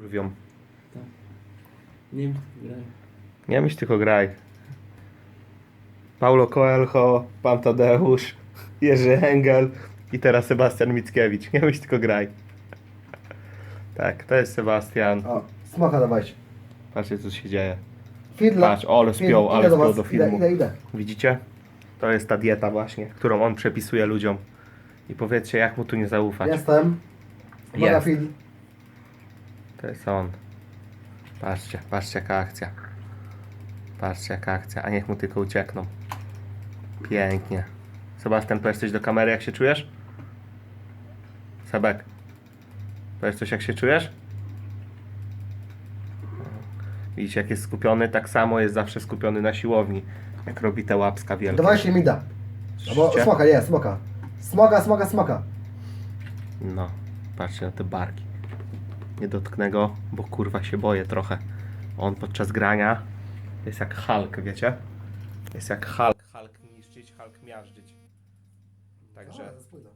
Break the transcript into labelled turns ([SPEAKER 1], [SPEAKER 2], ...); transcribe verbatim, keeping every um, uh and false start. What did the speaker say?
[SPEAKER 1] kurwią.
[SPEAKER 2] Tak. Nie wiem, graj.
[SPEAKER 1] Nie myśl, tylko graj. Paulo Coelho, Pan Tadeusz, Jerzy Engel i teraz Sebastian Mickiewicz. Nie myśl, tylko graj. Tak, to jest Sebastian.
[SPEAKER 3] O, smoka dawajcie.
[SPEAKER 1] Patrzcie, co się dzieje.
[SPEAKER 3] Fidla.
[SPEAKER 1] Patrz, ale spiął,
[SPEAKER 3] Idę
[SPEAKER 1] ale
[SPEAKER 3] do
[SPEAKER 1] spiął
[SPEAKER 3] was.
[SPEAKER 1] do filmu.
[SPEAKER 3] Idę, idę, idę.
[SPEAKER 1] Widzicie? To jest ta dieta właśnie, którą on przepisuje ludziom. I powiedzcie, jak mu tu nie zaufać.
[SPEAKER 3] Jestem. Uwaga,
[SPEAKER 1] Jest.
[SPEAKER 3] Fidl.
[SPEAKER 1] To jest on. Patrzcie, patrzcie jaka akcja. Patrzcie jaka akcja, a niech mu tylko uciekną. Pięknie. Sebastian, powiesz coś do kamery, jak się czujesz? Sebek, powiesz coś, jak się czujesz? Widzicie, jak jest skupiony, tak samo jest zawsze skupiony na siłowni. Jak robi te łapska wielkie.
[SPEAKER 3] Dawajcie mi da. Albo
[SPEAKER 1] Słyszycie?
[SPEAKER 3] smoka, nie, smoka. Smoka, smoka, smoka.
[SPEAKER 1] No, patrzcie na te barki. Nie dotknę go, bo kurwa się boję trochę. On podczas grania jest jak Hulk, wiecie? Jest jak Hulk. Hulk niszczyć, Hulk miażdżyć. Także...